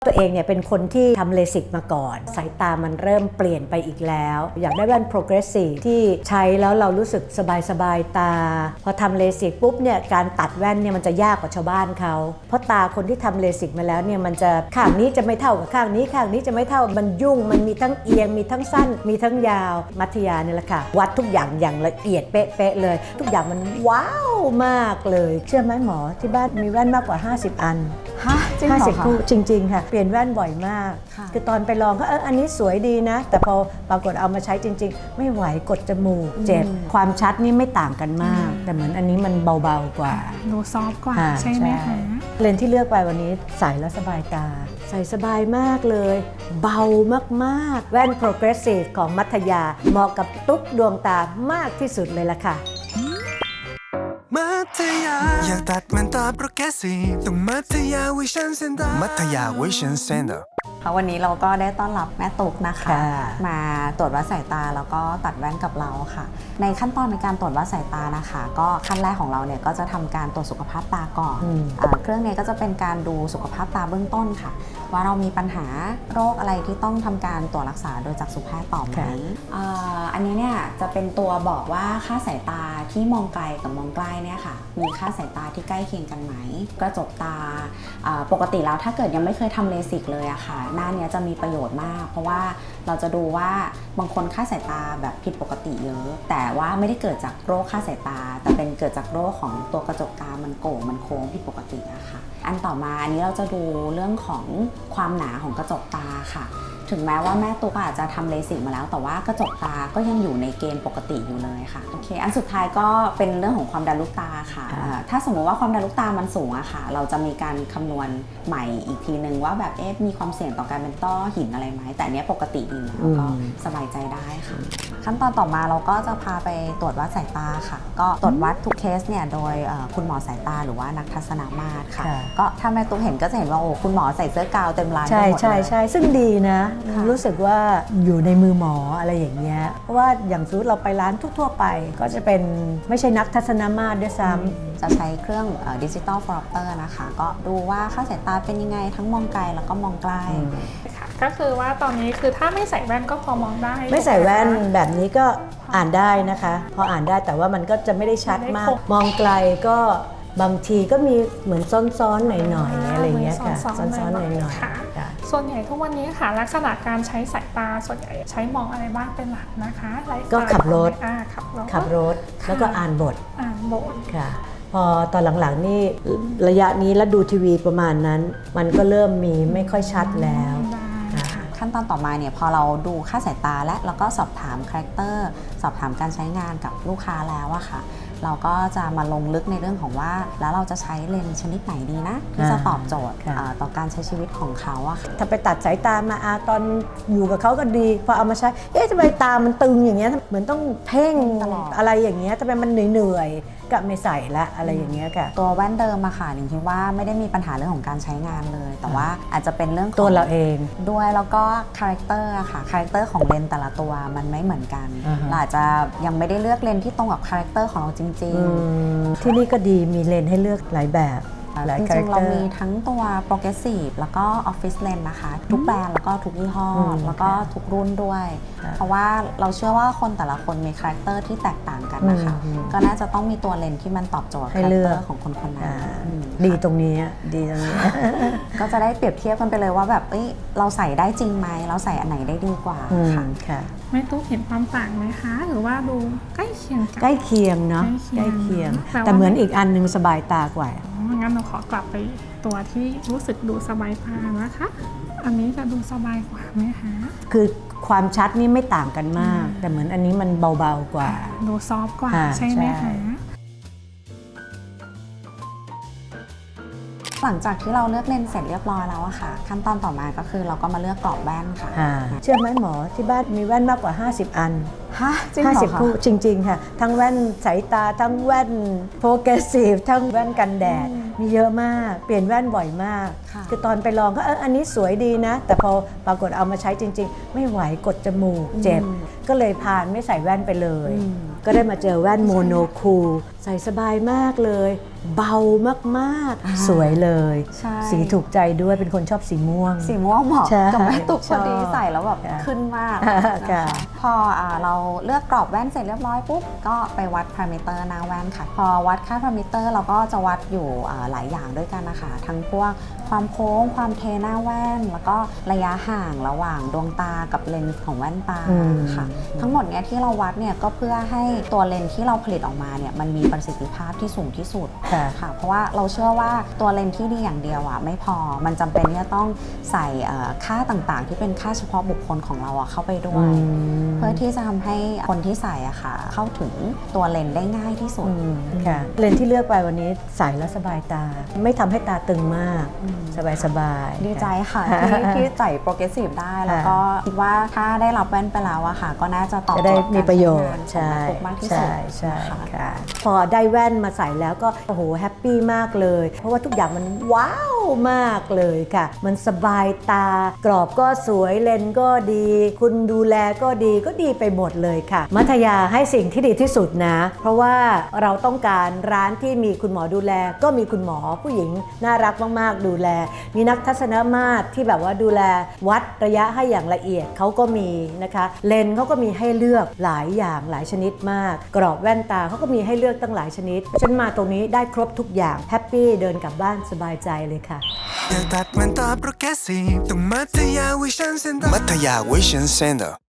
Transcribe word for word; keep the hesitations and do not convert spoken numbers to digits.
ตัวเองเนี่ยเป็นคนที่ทำเลสิกมาก่อนสายตามันเริ่มเปลี่ยนไปอีกแล้วอยากได้แว่น progressive ที่ใช้แล้วเรารู้สึกสบายๆตาพอทำเลสิกปุ๊บเนี่ยการตัดแว่นเนี่ยมันจะยากกว่าชาวบ้านเขาเพราะตาคนที่ทำเลสิกมาแล้วเนี่ยมันจะข้างนี้จะไม่เท่ากับข้างนี้ข้างนี้จะไม่เท่ามันยุ่งมันมีทั้งเอียงมีทั้งสั้นมีทั้งยาวมัธยาเนี่ยแหละค่ะวัดทุกอย่างอย่างละเอียดเป๊ะๆเลยทุกอย่างมันว้าวมากเลยเชื่อไหมหมอที่บ้านมีแว่นมากกว่าห้าสิบอันฮะจริงเหรอคะห้าสิบคู่จริงๆค่ะเปลี่ยนแว่นบ่อยมากคือตอนไปลองก็เอออันนี้สวยดีนะแต่พอปรากฏเอามาใช้จริงๆไม่ไหวกดจมูกเจ็บความชัดนี่ไม่ต่างกันมากแต่เหมือนอันนี้มันเบาๆกว่าดูซอฟต์กว่าใช่ไหมคะเลนส์ที่เลือกไปวันนี้ใส่แล้วสบายตาใส่สบายมากเลยเบามากๆแว่น progressive ของมัธยาเหมาะกับตุ๊กดวงตามากที่สุดเลยล่ะค่ะมัธยาอยากตัดมันตาโปรแกรสซีฟต้องมัธยาวิชั่นเซ็นเตอร์มัธยาวิชั่นเซ็นเตอร์วันนี้เราก็ได้ต้อนรับแม่ตุ๊กนะคะมาตรวจวัดสายตาแล้วก็ตัดแว่นกับเราค่ะในขั้นตอนในการตรวจวัดสายตานะคะก็ขั้นแรกของเราเนี่ยก็จะทำการตรวจสุขภาพตาก่อนเครื่องนี้ก็จะเป็นการดูสุขภาพตาเบื้องต้นค่ะว่าเรามีปัญหาโรคอะไรที่ต้องทำการตรวจรักษาโดยจักษุแพทย์ต่อไหมอันนี้เนี่ยจะเป็นตัวบอกว่าค่าสายตาที่มองไกลกับมองใกล้เนี่ยค่ะมีค่าสายตาที่ใกล้เคียงกันไหมกระจกตาปกติแล้วถ้าเกิดยังไม่เคยทำเลสิกเลยอะค่ะหน้านี้จะมีประโยชน์มากเพราะว่าเราจะดูว่าบางคนค่าสายตาแบบผิดปกติเยอะแต่ว่าไม่ได้เกิดจากโรคค่าสายตาแต่เป็นเกิดจากโรคของตัวกระจกตามันโก่งมันโค้งผิดปกติอะค่ะอันต่อมาอันนี้เราจะดูเรื่องของความหนาของกระจกตาค่ะถึงแม้ว่าแม่ตุ๊กอาจจะทำเลสิกมาแล้วแต่ว่ากระจกตาก็ยังอยู่ในเกณฑ์ปกติอยู่เลยค่ะโอเคอันสุดท้ายก็เป็นเรื่องของความดันลูกตาค่ะถ้าสมมติว่าความดันลูกตามันสูงอะค่ะเราจะมีการคำนวณใหม่อีกทีนึงว่าแบบเอ๊ะมีความเสี่ยงต่อการเป็นต้อหินอะไรไหมแต่อันนี้ปกติดีแล้วก็สบายใจได้ค่ะขั้นตอนต่อมาเราก็จะพาไปตรวจวัดสายตาค่ะก็ตรวจวัดทุกเคสเนี่ยโดยคุณหมอสายตาหรือว่านักทัศนมาตรค่ะก็ถ้าแม่ตุ๊กเห็นก็จะเห็นว่าโอ้คุณหมอใส่เสื้อกาวเต็มร้านไปหมดเลยใช่ใช่ซึ่งดีนะรู้สึกว่าอยู่ในมือหมออะไรอย่างเงี้ยเพราะว่าอย่างสมมติเราไปร้านทั่วๆไปก็จะเป็นไม่ใช่นักทัศนมาตรด้วยซ้ำจะใช้เครื่องดิจิตอลฟลอปเตอร์นะคะก็ดูว่าค่าสายตาเป็นยังไงทั้งมองไกลแล้วก็มองใกล้ค่ะก็คือว่าตอนนี้คือถ้าไม่ใส่แว่นก็พอมองได้ไม่ใส่แว่นแบบนี้ก็อ่านได้นะคะพออ่านได้แต่ว่ามันก็จะไม่ได้ชัดมากมองไกลก็บางทีก็มีเหมือนซ้อนๆหน่อยๆอะไรเงี้ยค่ะซ้อนๆหน่อยๆส่วนใหญ่ทุกวันนี้ค่ะลักษณะการใช้สายตาส่วนใหญ่ใช้มองอะไรบ้างเป็นหลักนะคะก็ขับรถขับรถขับรถแล้วก็อ่านบทอ่านบทค่ะพอตอนหลังๆนี่ระยะนี้แล้วดูทีวีประมาณนั้นมันก็เริ่มมีไม่ค่อยชัดแล้วขั้นตอนต่อมาเนี่ยพอเราดูค่าสายตาและแล้วก็สอบถามคาแรคเตอร์สอบถามการใช้งานกับลูกค้าแล้วอะค่ะเราก็จะมาลงลึกในเรื่องของว่าแล้วเราจะใช้เลนส์ชนิดไหนดีนะที่จะตอบโจทย์ต่อการใช้ชีวิตของเขาอะค่ะถ้าไปตัดสายตามาอาตอนอยู่กับเขาก็ดีพอเอามาใช้เอ๊ะทำไมตามันตึงอย่างเงี้ยเหมือนต้องเพ่งตลอดอะไรอย่างเงี้ยทำไมมันเหนื่อยๆก็ไม่ใส่ละอะไรอย่างเงี้ยค่ะตัวแว่นเดิมอะค่ะหนิงคิดว่าไม่ได้มีปัญหาเรื่องของการใช้งานเลยแต่ว่าอาจจะเป็นเรื่องตัวเราเองด้วยแล้วก็คาแรคเตอร์อะค่ะคาแรคเตอร์ของเลนส์แต่ละตัวมันไม่เหมือนกันเราอาจจะยังไม่ได้เลือกเลนส์ที่ตรงกับคาแรคเตอร์ของเราจริงๆที่นี่ก็ดีมีเลนให้เลือกหลายแบบจริงๆเรามีทั้งตัว progressive แล้วก็ office lens นะคะทุกแบรนด์แล้วก็ทุกยี่ห้อแล้วก็ทุกรุ่นด้วยเพราะว่าเราเชื่อว่าคนแต่ละคนมีคาแรคเตอร์ที่แตกต่างกันนะคะก็น่าจะต้องมีตัวเลนส์ที่มันตอบโจทย์คาแรคเตอร์ของคนคนนั้นดีตรงนี้ดีตรงนี้ก็จะได้เปรียบเทียบกันไปเลยว่าแบบเอ้ยเราใส่ได้จริงไหมเราใส่อันไหนได้ดีกว่าค่ะแม่ตุ๊กเห็นความต่างไหมคะหรือว่าดูใกล้เคียงกันใกล้เคียงเนาะใกล้เคียงแต่เหมือนอีกอันนึงสบายตากว่างั้นเราขอกลับไปตัวที่รู้สึกดูสบายตานะคะอันนี้จะดูสบายกว่าไหมคะคือความชัดนี่ไม่ต่างกันมากแต่เหมือนอันนี้มันเบาๆกว่าดูซอฟต์กว่าใช่ไหมคะหลังจากที่เราเลือกเลนส์เสร็จเรียบร้อยแล้วอะค่ะขั้นตอนต่อมาก็คือเราก็มาเลือกกรอบแว่นค่ะเชื่อไหมหมอที่บ้านมีแว่นมากกว่าห้าสิบอันฮะจริงเหรอคะห้าสิบคู่จริงๆค่ะทั้งแว่นสายตาทั้งแว่นโปรเกรสซีฟทั้งแว่นกันแดดมีเยอะมากเปลี่ยนแว่นบ่อยมากคือตอนไปลองก็เอออันนี้สวยดีนะแต่พอปรากฏเอามาใช้จริงๆไม่ไหวกดจมูกเจ็บก็เลยพานไม่ใส่แว่นไปเลยก็ได้มาเจอแว่นโมโนคูลใส่สบายมากเลย เบามากๆ สวยเลยใช่สีถูกใจด้วยเป็นคนชอบสีม่วงสีม่วงเหมาะใช่กับแม่ตุกพอดีชอบใส่แล้วแบบค่ะขึ้นมากค่ะนะคะพออ่าเราเลือกกรอบแว่นเสร็จเรียบร้อยปุ๊บก็ไปวัดพารามิเตอร์หน้าแว่นค่ะ พอวัดค่าพารามิเตอร์เราก็จะวัดอยู่อ่าหลายอย่างด้วยกันนะคะทั้งพวกความโค้งความเทหน้าแว่น แล้วก็ระยะห่างระหว่างดวงตากับเลนส์ของแว่นตาอืมค่ะ ทั้งหมดเนี้ยที่เราวัดเนี่ยก็เพื่อให้ตัวเลนส์ที่เราผลิตออกมาเนี่ยมันมีประสิทธิภาพที่สูงที่สุดค่ะค่ะเพราะว่าเราเชื่อว่าตัวเลนส์ที่ดีอย่างเดียวอ่ะไม่พอมันจำเป็นที่จะต้องใส่เอ่อค่าต่างๆ ที่เป็นค่าเฉพาะบุคคลของเราอ่ะเข้าไปด้วอืยมเพื่อที่จะทำให้คนที่ใส่อะค่ะเข้าถึงตัวเลนส์ได้ง่ายที่สุดอืมค่ะเลนส์ที่เลือกไปวันนี้ใส่แล้วสบายตา ไม่ทำให้ตาตึงมากอืมสบายสบายๆดีใจค่ะค่ะที่ที่ใส่โปรเกรสซีฟได้ แล้วก็คิดว่าถ้าได้รับแว่นไปแล้วอะค่ะ ก็น่าจะตอบจะโจได้ทย์มีประโยชการน์ใช้ใช่งานของแม่ปุ๊กมากที่สุดใช่ใช่นะคะค่ะ พอได้แว่นมาใส่แล้วก็โอ้โหแฮปปี้มากเลย เพราะว่าทุกอย่างมันว้าวมากเลยค่ะ มันสบายตากรอบก็สวยเลนส์ก็ดี คุณดูแลก็ดีก็ดีไปหมดเลยค่ะ มัธยาให้สิ่งที่ดีที่สุดนะ เพราะว่าเราต้องการร้านที่มีคุณหมอดูแล ก็มีคุณหมอผู้หญิงน่ารักมากๆดูแล มีนักทัศนมาตรที่แบบว่าดูแลวัดระยะให้อย่างละเอียดเขาก็มีนะคะเลนส์เขาก็มีให้เลือกหลายอย่างหลายชนิดมาก กรอบแว่นตาเขาก็มีให้เลือกตั้งหลายชนิดฉันมาตรงนี้ได้ครบทุกอย่างแฮปปี้เดินกลับบ้านสบายใจเลยค่ะอยากตัดมันตาโปรแกรสซีฟต้องมัธยาวิชันเซ็นเตอร์มัธยาวิชันเซ็นเตอร์